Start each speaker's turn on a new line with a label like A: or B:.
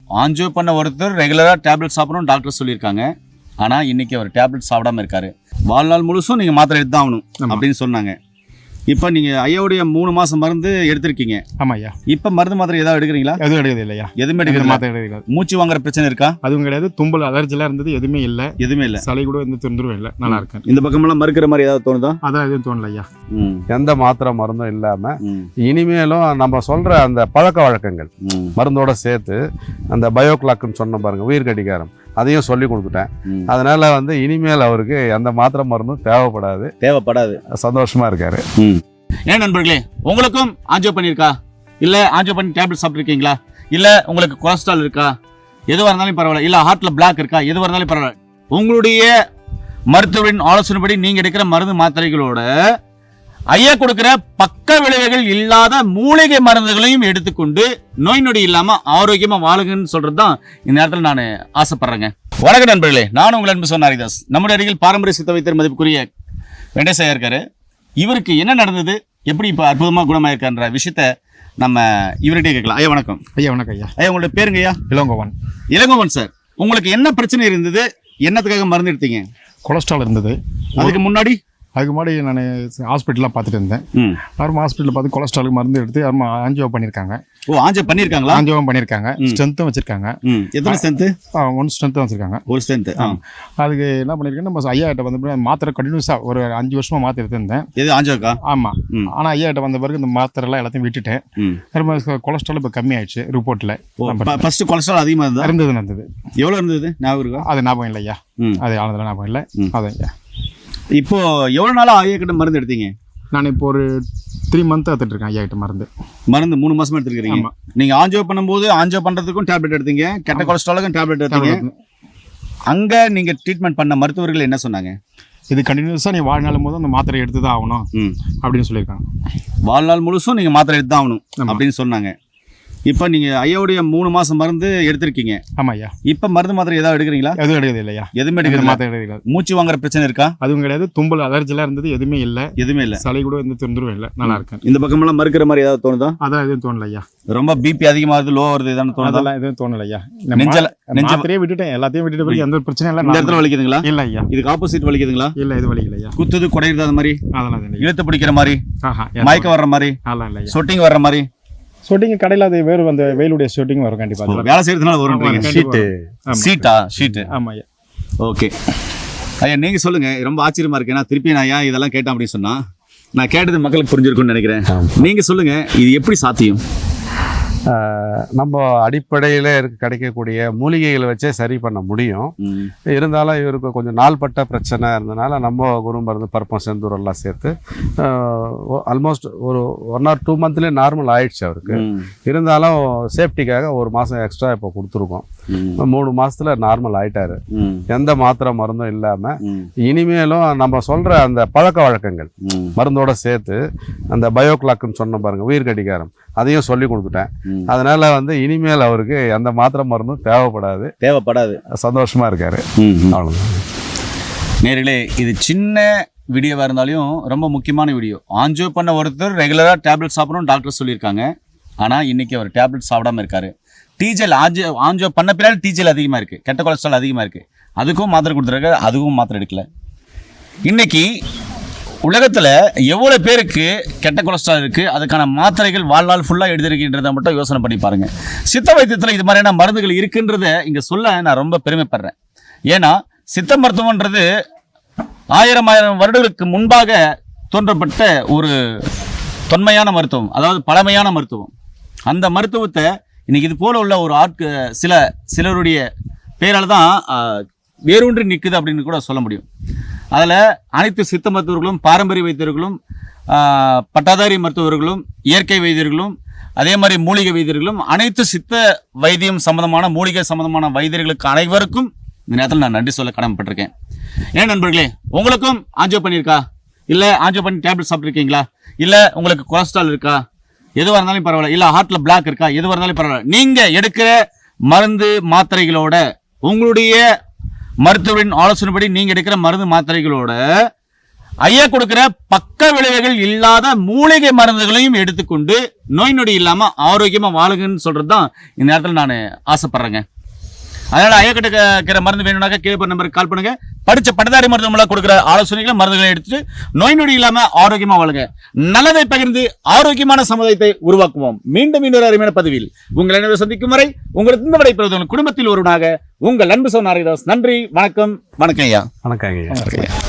A: Angio பண்ண ஒருத்தர் ரெகுலராக டேப்லெட் சாப்பிடணும் டாக்டர் சொல்லியிருக்காங்க. ஆனால் இன்னைக்கு அவர் டேப்லெட் சாப்பிடாம இருக்காரு. வாழ்நாள் முழுசும் நீங்கள் மாத்திரை எடுத்து தான் ஆகணும் அப்படின்னு சொன்னாங்க. இப்போ நீங்கள் ஐயாவுடைய 3 மாதம் மருந்து எடுத்திருக்கீங்க.
B: ஆமாம் ஐயா.
A: இப்போ மருந்து மாத்திரை ஏதாவது எடுக்கிறீங்களா?
B: எதுவும் எடுக்கிறது இல்லையா?
A: எதுவுமே எடுக்கிறது
B: மாத்திரை எடுக்கிறது.
A: மூச்சு வாங்குற பிரச்சனை இருக்கா?
B: அதுவும் கிடையாது. தும்பல் அலர்ஜிலாம் இருந்தது எதுவுமே இல்லை.
A: எதுவுமே இல்லை.
B: சளி கூட எந்த தொந்தரவும் இல்லை. நல்லா இருக்கேன்.
A: இந்த பக்கமெல்லாம் மறுக்கிற மாதிரி ஏதாவது தோணுதா?
B: அதான் எதுவும் தோணல ஐயா.
C: எந்த மாத்திரை மருந்தும் இல்லாம இனிமேலும் நம்ம சொல்ற அந்த பழக்க வழக்கங்கள் மருந்தோட சேர்த்து அந்த பயோக்ளாக்னு சொன்ன பாருங்க, உயிர் கடிகாரம், அதையும் சொல்லி கொடுத்துட்டேன். அதனால இனிமேல் அவருக்கு எந்த மாத்திரை மருந்தும் தேவைப்படாது. சந்தோஷமா இருக்காரு.
A: ஏன் நண்பர்களே, உங்களுக்கும் ஆஞ்சியோ பண்ணியிருக்கா? இல்லை ஆஞ்சியோ பண்ணி டேப்லெட் சாப்பிட்ருக்கீங்களா? இல்லை உங்களுக்கு கொலஸ்ட்ரால் இருக்கா? எதுவாக இருந்தாலும் பரவாயில்ல. இல்லை ஹார்ட்டில் பிளாக் இருக்கா? எதுவாக இருந்தாலும் பரவாயில்ல. உங்களுடைய மருத்துவரின் ஆலோசனைப்படி நீங்கள் எடுக்கிற மருந்து மாத்திரைகளோட ஐயா கொடுக்கிற பக்க விளைவுகள் இல்லாத மூலிகை மருந்துகளையும் எடுத்துக்கொண்டு நோய் நொடி இல்லாமல் ஆரோக்கியமாக வாழுங்கன்னு சொல்கிறது தான் இந்த நேரத்தில் நான் ஆசைப்படுறேங்க. வணக்கம் நண்பர்களே, நான் உங்கள் அன்பு சொன்ன ஹரிதாஸ். நம்முடைய அருகில் பாரம்பரிய சித்த வைத்தியர் மதிப்புக்குரிய வெங்கடேசையா இருக்காரு. இவருக்கு என்ன நடந்தது, எப்படி இப்போ அற்புதமாக குணமாயிருக்கான்ற விஷயத்த நம்ம இவர்கிட்டே கேட்கலாம். ஐயா வணக்கம்.
B: ஐயா வணக்கம் ஐயா.
A: ஐயா உங்களோட பேருங்க? ஐயா
B: இளங்கோவன்.
A: இளங்கோவன் சார், உங்களுக்கு என்ன பிரச்சனை இருந்தது? என்னத்துக்காக மருந்து எடுத்தீங்க?
B: கொலஸ்ட்ரால் இருந்தது.
A: அதுக்கு முன்னாடி
B: நான் ஹாஸ்பிட்டலாக பார்த்துட்டு இருந்தேன். யாரும் ஹாஸ்பிட்டலில் பார்த்து கொலஸ்ட்ராலுக்கு மருந்து எடுத்து யாரும் ஆஞ்சியோ பண்ணியிருக்காங்க.
A: ஓ, ஆஞ்சியோ பண்ணியிருக்காங்களா?
B: ஆஞ்சியோவும் பண்ணியிருக்காங்க. ஸ்ட்ரென்த்தும் வச்சிருக்காங்க.
A: எத்தனை ஸ்ட்ரென்த்து?
B: 1 ஸ்ட்ரென்த்தும் வச்சிருக்காங்க.
A: 1 ஸ்ட்ரென்த்து.
B: அதுக்கு என்ன பண்ணியிருக்கேன், நம்ம ஐயா கிட்ட மாத்திரை கண்டினியூஸாக ஒரு 5 வருஷமா மாத்திரை எடுத்திருந்தேன்.
A: எது ஆஞ்சியோக்கா?
B: ஆமாம். ஆனால் ஐயா கிட்ட வந்த பிறகு இந்த மாத்திரைலாம் எல்லாத்தையும் விட்டுட்டேன். ரொம்ப கொலஸ்ட்ரால் இப்போ கம்மி ஆயிடுச்சு. ரிப்போர்ட்டில்
A: ஃபர்ஸ்ட் கொலஸ்ட்ரால் அதிகமாக
B: இருந்தது.
A: எவ்வளோ இருந்தது ஞாபகம் இருக்கா?
B: அது ஞாபகம் இல்லை ஐயா. அது ஆனதில் ஞாபகம் இல்லை. அதான் ஐயா.
A: இப்போ எவ்வளோ நாளாக ஐயா கிட்ட மருந்து எடுத்தீங்க?
B: நான் இப்போ ஒரு 3 மந்த் எடுத்துட்டு இருக்கேன் ஐயா கிட்ட மருந்து 3
A: மாசமா எடுத்துருக்கீங்க. நீங்க ஆஞ்சியோ பண்ணும்போது ஆஞ்சியோ பண்றதுக்கும் டேப்லெட் எடுத்தீங்க, கெட்ட கொலஸ்ட்ராலுக்கும் டேப்லெட் எடுத்தீங்க. அங்க நீங்க ட்ரீட்மெண்ட் பண்ண மருத்துவர்கள் என்ன சொன்னாங்க?
B: இது கண்டினியூஸா நீ வாழ்நாள் போது அந்த மாத்திரை எடுத்து தான் ஆகணும் அப்படின்னு சொல்லியிருக்காங்க.
A: வாழ்நாள் முழுசும் நீங்க மாத்திரை எடுத்து தான் ஆகணும் அப்படின்னு சொன்னாங்க. இப்போ நீங்கள் ஐயாவுடைய 3 மாதம் மருந்து எடுத்திருக்கீங்க.
B: ஆமாம் ஐயா.
A: இப்போ மருந்து மாத்திரை ஏதாவது எடுக்கிறீங்களா?
B: எதுவும் எடுக்கிறது இல்லையா?
A: எதுவுமே எடுக்கிறது
B: மாத்திரை எடுக்கிறது.
A: மூச்சு வாங்குற பிரச்சனை இருக்கா?
B: அதுவும் கிடையாது. தும்பல் அலர்ஜிலாம் இருந்தது எதுவுமே இல்லை.
A: எதுவுமே இல்லை.
B: சளி கூட எந்த தொந்தரவும் இல்லை. நல்லா இருக்கேன்.
A: இந்த பக்கமெல்லாம் மறுக்கிற மாதிரி ஏதாவது தோணுதா?
B: அதான் எதுவும் தோணல ஐயா.
A: ரொம்ப பிபி அதிகமாகுது, லோ வருது, இதான தோணுதா?
B: அதெல்லாம் எதுவும் தோணல ஐயா. மாத்திரையே விட்டுட்டேன், எல்லாத்தையும் விட்டுட்டு போய் எந்த பிரச்சனையும் இல்லை.
A: இந்த இடத்துல வலிக்குதுங்களா?
B: இல்லை ஐயா.
A: இதுக்கு ஆப்போசிட் வலிக்குதுங்களா?
B: இல்லை, இது வலிக்கல ஐயா.
A: குத்துது, குடையிறது அந்த மாதிரி?
B: அதெல்லாம்
A: இழுத்து பிடிக்கிற மாதிரி, மயக்க வர்ற மாதிரி,
B: அதெல்லாம் இல்லை.
A: சொட்டிங் வர்ற மாதிரி?
B: ஷூட்டிங் கடையில் அது வேறு அந்த வெயிலுடைய ஷூட்டிங் வரும் கண்டிப்பாக.
A: வேலை செய்யறதுனால வரும். ஷீட்டு.
B: ஆமாம் ஐயா.
A: ஓகே ஐயா, நீங்கள் சொல்லுங்கள். ரொம்ப ஆச்சரியமா இருக்கு. ஏன்னா திருப்பி நான் ஐயா இதெல்லாம் கேட்டேன் அப்படின்னு சொன்னால் நான் கேட்டது மக்களுக்கு புரிஞ்சிருக்கும்னு நினைக்கிறேன். நீங்கள் சொல்லுங்கள், இது எப்படி சாத்தியம்?
C: நம்ம அடிப்படையில் கிடைக்கக்கூடிய மூலிகைகளை வச்சே சரி பண்ண முடியும். இருந்தாலும் இவருக்கு கொஞ்சம் நாள்பட்ட பிரச்சனை இருந்தனால நம்ம குரு மருந்து பருப்பம் செந்தூர் எல்லாம் சேர்த்து ஆல்மோஸ்ட் ஒரு 1 or 2 மந்த்லேயே நார்மல் ஆயிடுச்சு அவருக்கு. இருந்தாலும் சேஃப்டிக்காக 1 மாதம் எக்ஸ்ட்ரா இப்போ கொடுத்துருக்கோம். 3 மாதத்துல நார்மல் ஆயிட்டாரு. எந்த மாத்திரை மருந்தும் இல்லாம இனிமேலும் நம்ம சொல்ற அந்த பழக்க வழக்கங்கள் மருந்தோட சேர்த்து அந்த பயோக்ளாக்னு சொன்ன பாருங்க, உயிர் கடிகாரம், அதையும் சொல்லி கொடுத்துட்டேன். அதனால இனிமேல் அவருக்கு எந்த மாத்திரை மருந்தும் தேவைப்படாது. சந்தோஷமா இருக்காரு. அவ்வளவுதான்
A: நேர்களே. இது சின்ன வீடியோவா இருந்தாலும் ரொம்ப முக்கியமான வீடியோ. ஆஞ்சியோ பண்ண ஒருத்தர் ரெகுலரா டேப்லெட் சாப்பிடணும் டாக்டர் சொல்லியிருக்காங்க. ஆனா இன்னைக்கு அவர் டேப்லெட் சாப்பிடாம இருக்காரு. டீஜல் ஆஞ்சியோ பண்ண பின்னாடி டீஜல் அதிகமா இருக்கு, கெட்ட கொலஸ்ட்ரால் அதிகமா இருக்கு. அதுக்கும் மாத்திரை கொடுத்துருக்காரு, அதுவும் மாத்திரை எடுக்கல. இன்னைக்கு உலகத்தில் எவ்வளோ பேருக்கு கெட்ட கொலஸ்ட்ரால் இருக்குது, அதுக்கான மாத்திரைகள் வாழ்நாள் ஃபுல்லாக எடுத்திருக்கின்றதை மட்டும் யோசனை பண்ணி பாருங்கள். சித்த வைத்தியத்தில் இது மாதிரியான மருந்துகள் இருக்குன்றதை இங்கே சொல்ல நான் ரொம்ப பெருமைப்படுறேன். ஏன்னா சித்த மருத்துவன்றது 1000 வருடங்களுக்கு முன்பாக தோன்றப்பட்ட ஒரு தொன்மையான மருத்துவம், அதாவது பழமையான மருத்துவம். அந்த மருத்துவத்தை இன்னைக்கு இது போல உள்ள ஒரு சிலருடைய பேரால் தான் வேரூன்றி நிற்குது அப்படின்னு கூட சொல்ல முடியும். அதில் அனைத்து சித்த மருத்துவர்களும், பாரம்பரிய வைத்தியர்களும், பட்டாதாரி மருத்துவர்களும், இயற்கை வைத்தியர்களும், அதே மாதிரி மூலிகை வைத்தியர்களும், அனைத்து சித்த வைத்தியம் சம்பந்தமான மூலிகை சம்பந்தமான வைத்தியர்களுக்கு அனைவருக்கும் இந்த நேரத்தில் நான் நன்றி சொல்ல கடமைப்பட்டிருக்கேன். ஏன் நண்பர்களே, உங்களுக்கும் ஆஞ்சியோ பண்ணியிருக்கா? இல்லை ஆஞ்சியோ பண்ணி டேப்லெட் சாப்பிட்ருக்கீங்களா? இல்லை உங்களுக்கு கொலஸ்ட்ரால் இருக்கா? எதுவாக இருந்தாலும் பரவாயில்ல. இல்லை ஹார்ட்டில் பிளாக் இருக்கா? எதுவாக இருந்தாலும் பரவாயில்ல. நீங்கள் எடுக்கிற மருந்து மாத்திரைகளோட, உங்களுடைய மருத்துவரின் ஆலோசனைப்படி நீங்கள் எடுக்கிற மருந்து மாத்திரைகளோட ஐயா கொடுக்கிற பக்க விளைவுகள் இல்லாத மூலிகை மருந்துகளையும் எடுத்துக்கொண்டு நோய் நொடி இல்லாம ஆரோக்கியமா வாழுங்கன்னு சொல்றதுதான் இந்த நேரத்தில் நான் ஆசைப்படுறேங்க. அதனால ஐயா கிட்ட இருக்கிற மருந்து வேணும்னாக்கா கீழே நம்பருக்கு கால் பண்ணுங்க. படிச்ச பட்டதாரி மருத்துவமனை கொடுக்குற ஆலோசனைகளை மருந்துகளை எடுத்துட்டு நோய் நொடி இல்லாம ஆரோக்கியமா வாழுங்க. நல்லதை பகிர்ந்து ஆரோக்கியமான சமுதாயத்தை உருவாக்குவோம். மீண்டும் இன்னொரு அருமையான பதிவில் உங்களை அனைவரும் சந்திக்கும் வரை உங்களுக்கு இந்த விடைபெறுவது குடும்பத்தில் ஒருவனாக உங்கள் அன்பு சகோதரன் நாரதாஸ். நன்றி, வணக்கம். வணக்கம் ஐயா.
C: வணக்கம் ஐயா.